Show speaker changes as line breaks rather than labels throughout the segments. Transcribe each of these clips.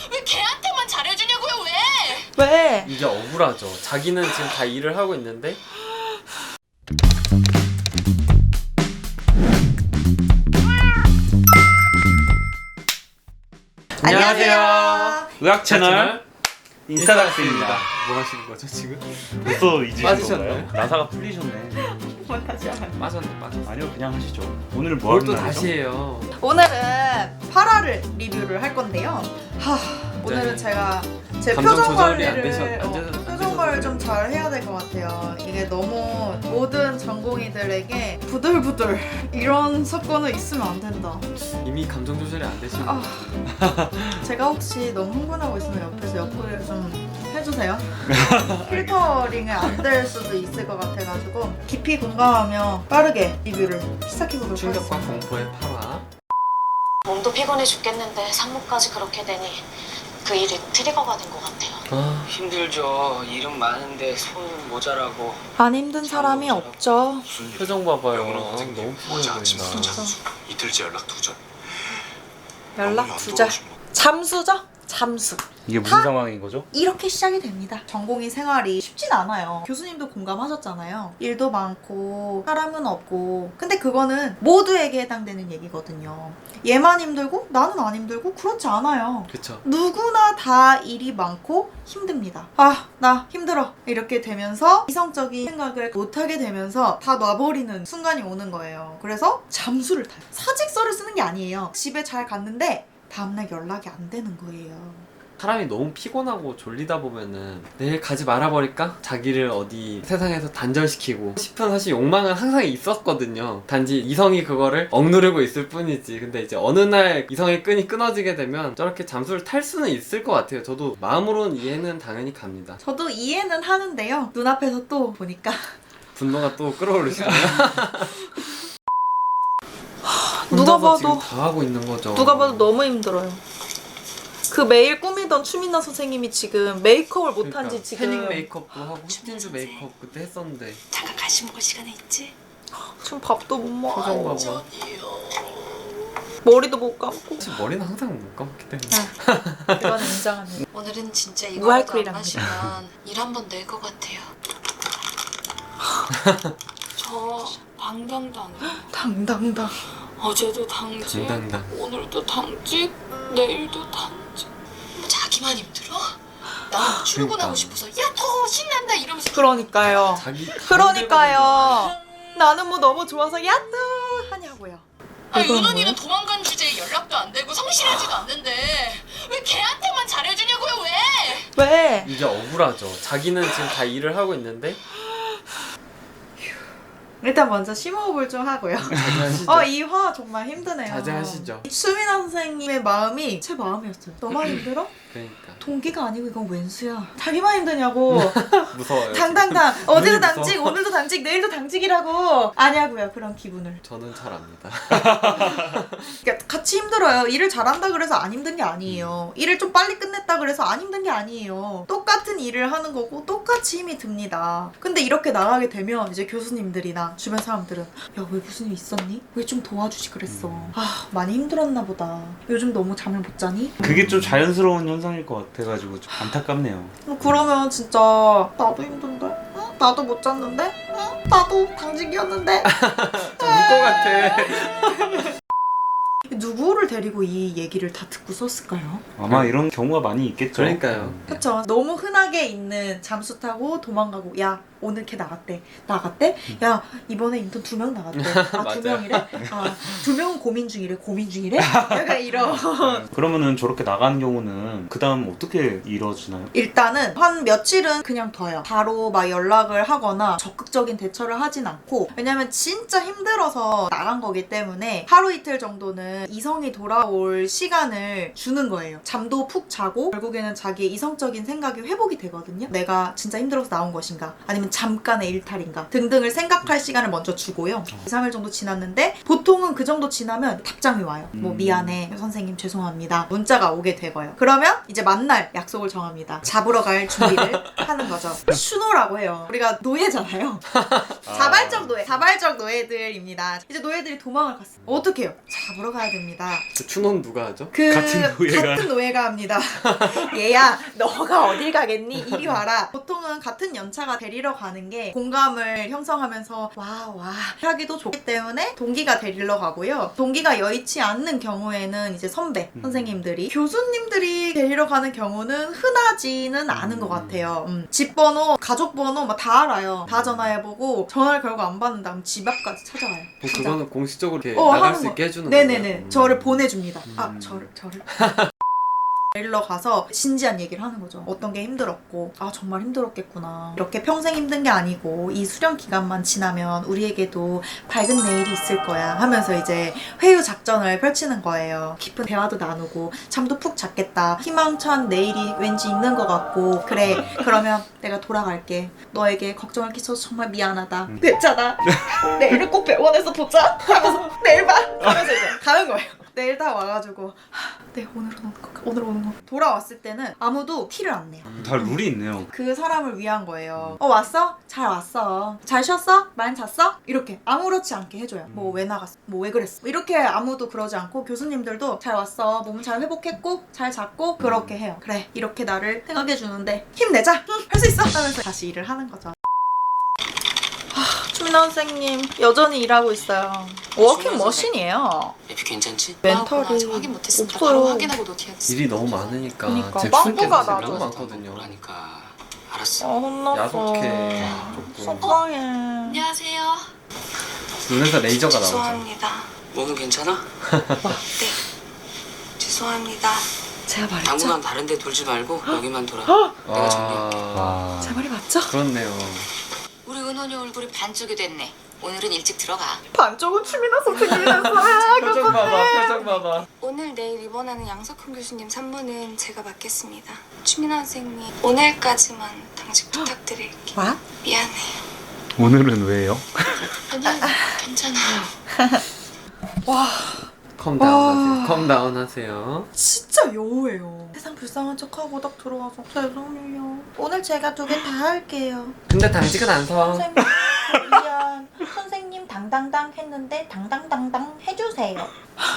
왜 걔한테만 잘해주냐고요? 왜?
왜?
이게 억울하죠. 자기는 지금 다 일을 하고 있는데
안녕하세요.
의학 채널 인스타닥스입니다.
뭐 하시는 거죠 지금?
벌써 잊으신
빠지셨나요?
건가요? 나사가 풀리셨네.
다시 하면.
빠졌네.
아니요, 그냥 하시죠. 오늘 뭐
뭘
하는
또
날이죠?
다시 해요.
오늘은 파라를 리뷰를 할 건데요. 오늘은 제가 제
감정
표정
조절이 안
관리를
되셔서
표정 관리를 좀 잘 해야 될 것 같아요. 이게 너무 모든 전공의들에게 부들부들 이런 사건은 있으면 안 된다.
이미 감정 조절이 안 되시는
제가 혹시 너무 흥분하고 있으면 옆에서 옆구리를 좀 해주세요. 필터링이 안 될 수도 있을 것 같아가지고 깊이 공감하며 빠르게 리뷰를 시작해보도록
충격과
하겠습니다.
공포의 8화.
몸도 피곤해 죽겠는데 산모까지 그렇게 되니 그 일이 트리거가 된 것 같아요.
힘들죠. 일은 많은데 손 모자라고.
안 힘든 사람이 없죠.
표정 봐봐요.
영어는
너무
선생님
피곤해
어제 아침
보인다.
잠수 이틀째 연락 두절.
연락 두자. 잠수죠? 잠수.
이게 무슨 상황인 거죠?
이렇게 시작이 됩니다. 전공의 생활이 쉽진 않아요. 교수님도 공감하셨잖아요. 일도 많고 사람은 없고 근데 그거는 모두에게 해당되는 얘기거든요. 얘만 힘들고 나는 안 힘들고 그렇지 않아요.
그쵸.
누구나 다 일이 많고 힘듭니다. 나 힘들어 이렇게 되면서 이성적인 생각을 못하게 되면서 다 놔버리는 순간이 오는 거예요. 그래서 잠수를 타요. 사직서를 쓰는 게 아니에요. 집에 잘 갔는데 다음날 연락이 안 되는 거예요.
사람이 너무 피곤하고 졸리다 보면은 내일 가지 말아버릴까? 자기를 어디 세상에서 단절시키고 싶은 사실 욕망은 항상 있었거든요. 단지 이성이 그거를 억누르고 있을 뿐이지. 근데 이제 어느 날 이성의 끈이 끊어지게 되면 저렇게 잠수를 탈 수는 있을 것 같아요. 저도 마음으로는 이해는 당연히 갑니다.
저도 이해는 하는데요. 눈앞에서 또 보니까
분노가 또 끌어오르시네요.
누가
혼자서
봐도
지금 다 하고 있는 거죠.
누가 봐도 너무 힘들어요. 그 매일 꾸미던 추민나 선생님이 지금 메이크업을 못한 지 지금
태닝 메이크업도 하고 스틴즈 메이크업 그때 했었는데
잠깐 간식 먹을 시간에 있지?
지금 밥도 못
표정
먹어.
봐봐.
머리도 못 감고.
사실 머리는 항상 못 감기 때문에
이거는 인정합니다.
오늘은 진짜 이거라도 안
무알콜이랍니다.
마시면 일 한 번 낼 것 같아요. 저 당당당해요.
당당당.
어제도 당직,
당당당.
오늘도 당직, 내일도 당직. 자기만 힘들어? 나 출근하고
그러니까.
싶어서 야호 신난다 이러면서
그러니까요.
자기
그러니까요. 나는 뭐 너무 좋아서 야뚜 하냐고요.
은원이는 도망간 주제에 연락도 안 되고 성실하지도 않는데 왜 걔한테만 잘해주냐고요? 왜?
왜?
이게 억울하죠. 자기는 지금 다 일을 하고 있는데
일단 먼저 심호흡을 좀 하고요.
자제하시죠.
이 화 정말 힘드네요.
자제하시죠.
수민아 선생님의 마음이 제 마음이었어요. 너만 힘들어?
그러니까
동기가 아니고 이건 웬수야. 자기만 힘드냐고.
무서워요.
당당당. 어제도
눈이
당직,
무서워.
오늘도 당직, 내일도 당직이라고. 아냐고요. 그런 기분을.
저는 잘 압니다.
그러니까 같이 힘들어요. 일을 잘한다 그래서 안 힘든 게 아니에요. 일을 좀 빨리 끝냈다 그래서 안 힘든 게 아니에요. 똑같은 일을 하는 거고 똑같이 힘이 듭니다. 근데 이렇게 나가게 되면 이제 교수님들이나 주변 사람들은 야, 왜 무슨 일 있었니? 왜 좀 도와주지 그랬어. 많이 힘들었나 보다. 요즘 너무 잠을 못 자니?
그게 좀 자연스러운 현상일 것 같아가지고 좀 안타깝네요.
그러면 진짜 나도 힘든데? 응? 나도 못 잤는데? 응? 나도 당직이었는데?
좀 울 것 같아.
누구를 데리고 이 얘기를 다 듣고 썼을까요?
아마 이런 경우가 많이 있겠죠.
그러니까요.
그쵸. 너무 흔하게 있는 잠수 타고 도망가고 야 오늘 걔 나갔대. 야 이번에 인턴 2명 나갔대.
맞아요.
2명이래? 2명은 고민 중이래? 약간 이런.
그러면은 저렇게 나간 경우는 그 다음 어떻게 이루어지나요?
일단은 한 며칠은 그냥 둬요. 바로 막 연락을 하거나 적극적인 대처를 하진 않고, 왜냐면 진짜 힘들어서 나간 거기 때문에 하루 이틀 정도는 이성이 돌아올 시간을 주는 거예요. 잠도 푹 자고 결국에는 자기의 이성적인 생각이 회복이 되거든요. 내가 진짜 힘들어서 나온 것인가 아니면 잠깐의 일탈인가 등등을 생각할 시간을 먼저 주고요. 2, 3일 정도 지났는데 보통은 그 정도 지나면 답장이 와요. 뭐 미안해 선생님 죄송합니다 문자가 오게 되고요. 그러면 이제 만날 약속을 정합니다. 잡으러 갈 준비를 하는 거죠. 추노라고 해요. 우리가 노예잖아요. 자발적 노예들입니다. 이제 노예들이 도망을 갔어요. 어떻게 해요? 잡으러 가야 해야 됩니다.
그 추노는 누가 하죠?
같은 노예가
합니다. 얘야, 너가 어딜 가겠니? 이리 와라. 보통은 같은 연차가 데리러 가는 게 공감을 형성하면서 와 하기도 좋기 때문에 동기가 데리러 가고요. 동기가 여의치 않는 경우에는 이제 선배 선생님들이, 교수님들이 데리러 가는 경우는 흔하지는 않은 것 같아요. 집 번호, 가족 번호 막 다 알아요. 다 전화해보고 전화를 결국 안 받는다 하면 집 앞까지 찾아가요.
뭐
진짜.
그거는 공식적으로 이렇게 나갈
하는
수
거.
있게 해주는
네네네.
거예요?
저를 보내줍니다. 저를 데리러 가서 진지한 얘기를 하는 거죠. 어떤 게 힘들었고, 정말 힘들었겠구나. 이렇게 평생 힘든 게 아니고 이 수련 기간만 지나면 우리에게도 밝은 내일이 있을 거야 하면서 이제 회유 작전을 펼치는 거예요. 깊은 대화도 나누고 잠도 푹 잤겠다. 희망찬 내일이 왠지 있는 것 같고, 그래 그러면 내가 돌아갈게. 너에게 걱정을 끼쳐서 정말 미안하다. 됐잖아. 내일을 꼭 병원에서 보자 하면서 내일 봐 하면서 이제 가는 거예요. 내일 다 와가지고 네 오늘 오는 거 돌아왔을 때는 아무도 티를 안 내요.
다 룰이 있네요.
그 사람을 위한 거예요. 왔어? 잘 왔어. 잘 쉬었어? 많이 잤어? 이렇게 아무렇지 않게 해줘요. 뭐 왜 나갔어? 뭐 왜 그랬어? 이렇게 아무도 그러지 않고 교수님들도 잘 왔어. 몸 잘 회복했고 잘 잤고 그렇게 해요. 그래 이렇게 나를 생각해주는데 힘내자. 할 수 있어. 하면서 다시 일을 하는 거죠. 추민아 선생님 여전히 일하고 있어요. 워킹 머신이에요.
에피 괜찮지?
멘탈이
아직 확인 못했으니까
없어요.
바로 확인하고 노티해야지.
일이 너무 많으니까
그러니까
제
빵꾸가
출퇴근이
나죠.
너무 많거든요.
뭐라니까. 알았어.
혼났어.
야속해 조금.
속상해.
안녕하세요.
눈에서 레이저가 나오죠.
죄송합니다.
몸은 괜찮아?
네. 죄송합니다.
제가 말했죠?
당분간 다른 데 돌지 말고 여기만 돌아. 내가 정리할게.
와,
제 말이 맞죠?
그렇네요.
우리 은원이 얼굴이 반쪽이 됐네. 오늘은 일찍 들어가.
반쪽은 추민아 선생님이었어요.
표정 봐봐, 표정 봐봐.
오늘 내일 입원하는 양석훈 교수님 산모는 제가 맡겠습니다. 추민아 선생님 오늘까지만 당직 부탁드릴게요.
와?
미안해요.
오늘은 왜요?
아니 괜찮아요.
와
컴다운 하세요. 컴다운 하세요.
진짜 여우예요. 세상 불쌍한 척하고 딱 들어와서 죄송해요. 오늘 제가 2개 다 할게요.
근데 당직은 안 서.
선생님 미안. 선생님 당당당 했는데 당당당당 해주세요.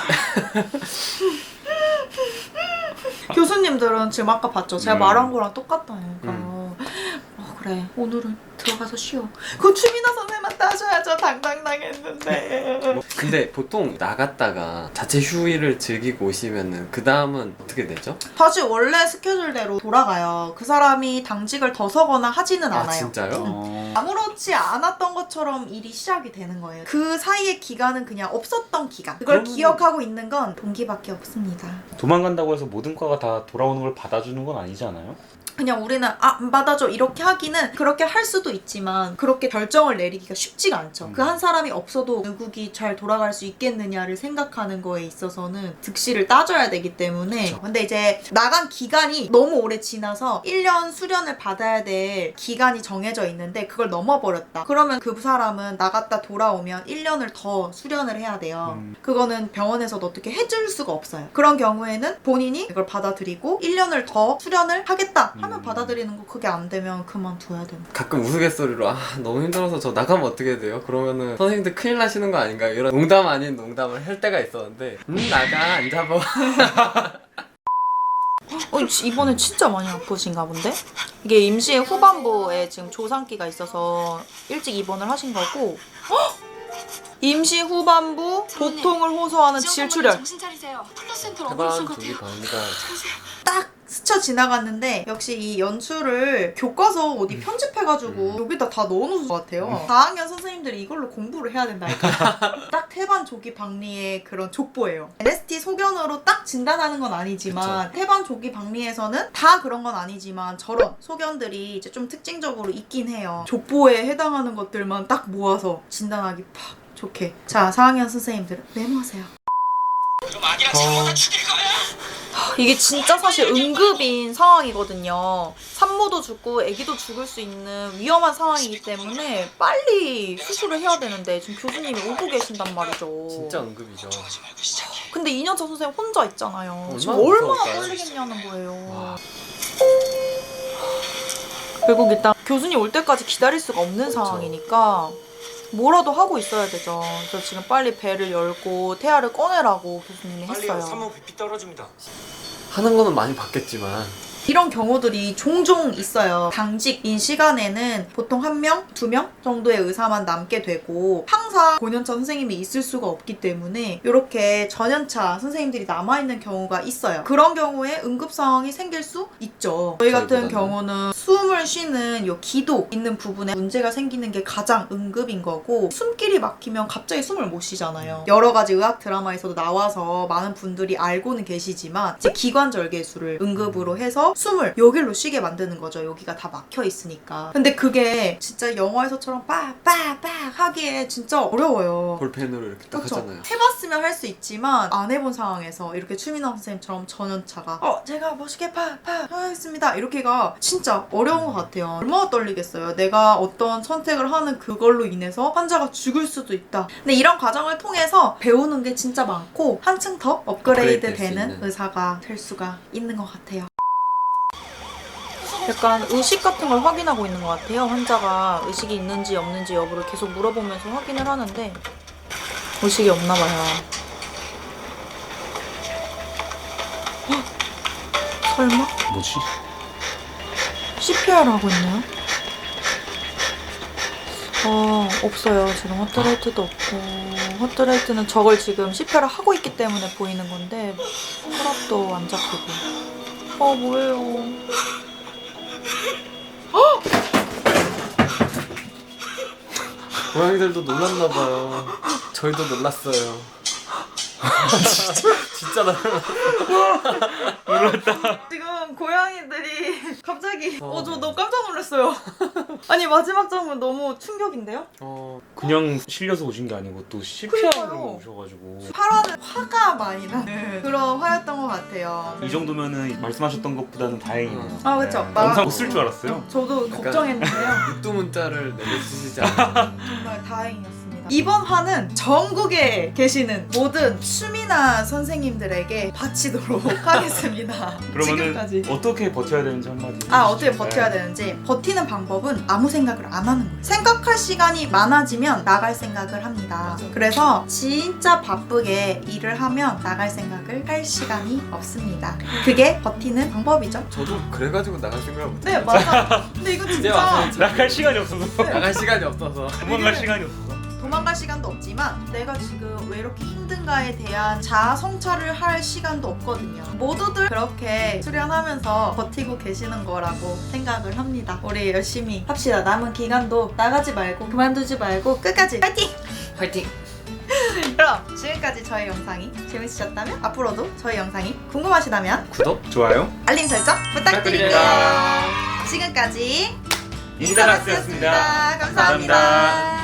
교수님들은 지금 아까 봤죠? 제가 말한 거랑 똑같다니까. 그래 오늘은 들어가서 쉬어. 그건 추민아 선생님한테 하셔야죠. 당당당 했는데.
근데 보통 나갔다가 자체 휴일을 즐기고 오시면은 그 다음은 어떻게 되죠?
다시 원래 스케줄대로 돌아가요. 그 사람이 당직을 더 서거나 하지는
아
않아요.
진짜요?
아무렇지 않았던 것처럼 일이 시작이 되는 거예요. 그 사이의 기간은 그냥 없었던 기간. 그걸
그러면은-
기억하고 있는 건 동기밖에 없습니다.
도망간다고 해서 모든 과가 다 돌아오는 걸 받아주는 건 아니지 않아요?
그냥 우리는 안 받아줘 이렇게 하기는 그렇게 할 수도 있지만 그렇게 결정을 내리기가 쉽지가 않죠. 그 한 사람이 없어도 결국이 잘 돌아갈 수 있겠느냐를 생각하는 거에 있어서는 득실을 따져야 되기 때문에. 근데 이제 나간 기간이 너무 오래 지나서 1년 수련을 받아야 될 기간이 정해져 있는데 그걸 넘어버렸다. 그러면 그 사람은 나갔다 돌아오면 1년을 더 수련을 해야 돼요. 그거는 병원에서도 어떻게 해줄 수가 없어요. 그런 경우에는 본인이 이걸 받아들이고 1년을 더 수련을 하겠다 하면 받아들이는 거. 그게 안 되면 그만둬야 된다.
가끔 우스갯소리로 너무 힘들어서 저 나가면 어떻게 돼요? 그러면은 선생님들 큰일 나시는 거 아닌가요? 이런 농담 아닌 농담을 할 때가 있었는데 나가 안 잡아.
이번에 진짜 많이 아프신가 본데? 이게 임시 후반부에 지금 조상기가 있어서 일찍 입원을 하신 거고. 임시 후반부 보통을 호소하는 질출혈.
정신 차리세요. 플러센터로
해방
어그러신
저기
것 같아요.
갑니다.
딱 스쳐 지나갔는데 역시 이 연출을 교과서 어디 편집해가지고 여기다 다 넣어놓은 것 같아요. 4학년 선생님들이 이걸로 공부를 해야 된다니까. 딱 태반 조기 박리의 그런 족보예요. NST 소견으로 딱 진단하는 건 아니지만 태반 조기 박리에서는 다 그런 건 아니지만 저런 소견들이 이제 좀 특징적으로 있긴 해요. 족보에 해당하는 것들만 딱 모아서 진단하기 팍 좋게. 자, 4학년 선생님들 메모하세요.
그럼 아기랑 장모다 죽일 거야?
이게 진짜 사실 응급인 상황이거든요. 산모도 죽고 아기도 죽을 수 있는 위험한 상황이기 때문에 빨리 수술을 해야 되는데 지금 교수님이 오고 계신단 말이죠.
진짜 응급이죠.
하지 말고 시작해.
근데 2년차 선생님 혼자 있잖아요. 지금
얼마나
얼마나
무서울까요?
떨리겠냐는 거예요.
와.
결국 일단 교수님 올 때까지 기다릴 수가 없는 상황이니까 뭐라도 하고 있어야 되죠. 그래서 지금 빨리 배를 열고 태아를 꺼내라고 교수님이 했어요.
BP 떨어집니다.
하는 거는 많이 봤겠지만
이런 경우들이 종종 있어요. 당직인 시간에는 보통 1명, 2명 정도의 의사만 남게 되고 항상 고년차 선생님이 있을 수가 없기 때문에 이렇게 전연차 선생님들이 남아있는 경우가 있어요. 그런 경우에 응급 상황이 생길 수 있죠. 저희 같은
저희보다는.
경우는 숨을 쉬는 요 기도 있는 부분에 문제가 생기는 게 가장 응급인 거고 숨길이 막히면 갑자기 숨을 못 쉬잖아요. 여러 가지 의학 드라마에서도 나와서 많은 분들이 알고는 계시지만 이제 기관절개술을 응급으로 해서 숨을 여기로 쉬게 만드는 거죠. 여기가 다 막혀 있으니까. 근데 그게 진짜 영화에서처럼 빡빡빡 하기에 진짜 어려워요.
볼펜으로 이렇게 딱
그렇죠.
하잖아요.
해봤으면 할 수 있지만 안 해본 상황에서 이렇게 추민아 선생님처럼 전연차가 제가 멋있게 팍팍 하겠습니다 이렇게가 진짜 어려운 것 같아요. 얼마나 떨리겠어요. 내가 어떤 선택을 하는 그걸로 인해서 환자가 죽을 수도 있다. 근데 이런 과정을 통해서 배우는 게 진짜 많고 한층 더 업그레이드
업그레이드 될수
되는
있는.
의사가 될 수가 있는 것 같아요. 약간 의식 같은 걸 확인하고 있는 것 같아요. 환자가 의식이 있는지 없는지 여부를 계속 물어보면서 확인을 하는데 의식이 없나 봐요. 헉! 설마?
뭐지?
CPR 하고 있나요? 없어요. 지금 하트레이트도 없고 하트레이트는 저걸 지금 CPR을 하고 있기 때문에 보이는 건데 혈압도 안 잡히고 뭐예요.
고양이들도 놀랐나봐요. 저희도 놀랐어요. 진짜 놀랐어.
지금 고양이들이 갑자기 저 너무 깜짝 놀랐어요. 아니 마지막 장면 너무 충격인데요?
그냥 실려서 오신 게 아니고 또 CPR로
그러니까요.
오셔가지고
파라는 화가 많이 나는 그런 화였던 것 같아요.
이 정도면은 말씀하셨던 것보다는 다행이네요.
아, 그쵸.
영상 못 쓸 줄 알았어요.
저도 걱정했는데요.
육두문자를 내려주시지 않아요.
정말 다행이었습니다. 이번 화는 전국에 계시는 모든 추미나 선생님들에게 바치도록 하겠습니다.
그러면은
지금까지.
어떻게 버텨야 되는지 한마디.
어떻게
해주시죠.
버텨야 되는지. 버티는 방법은 아무 생각을 안 하는 거예요. 생각할 시간이 많아지면 나갈 생각을 합니다.
맞아.
그래서 진짜 바쁘게 일을 하면 나갈 생각을 할 시간이 없습니다. 그게 버티는 방법이죠.
저도 그래가지고 나갈 생각을 못.
네, 맞아. 근데 이거
이제 와서
진짜
이제
나갈 시간이 없어서.
나갈 시간이 없어서.
도망갈 시간이 없어.
도망갈 시간도 없지만 내가 지금 왜 이렇게 힘든가에 대한 자아 성찰을 할 시간도 없거든요. 모두들 그렇게 수련하면서 버티고 계시는 거라고 생각을 합니다. 우리 열심히 합시다. 남은 기간도 나가지 말고 그만두지 말고 끝까지 파이팅!
화이팅!
그럼 지금까지 저희 영상이 재밌으셨다면 앞으로도 저희 영상이 궁금하시다면
구독?
좋아요.
알림 설정 부탁드릴게요.
부탁드립니다.
지금까지
인사락스였습니다.
감사합니다.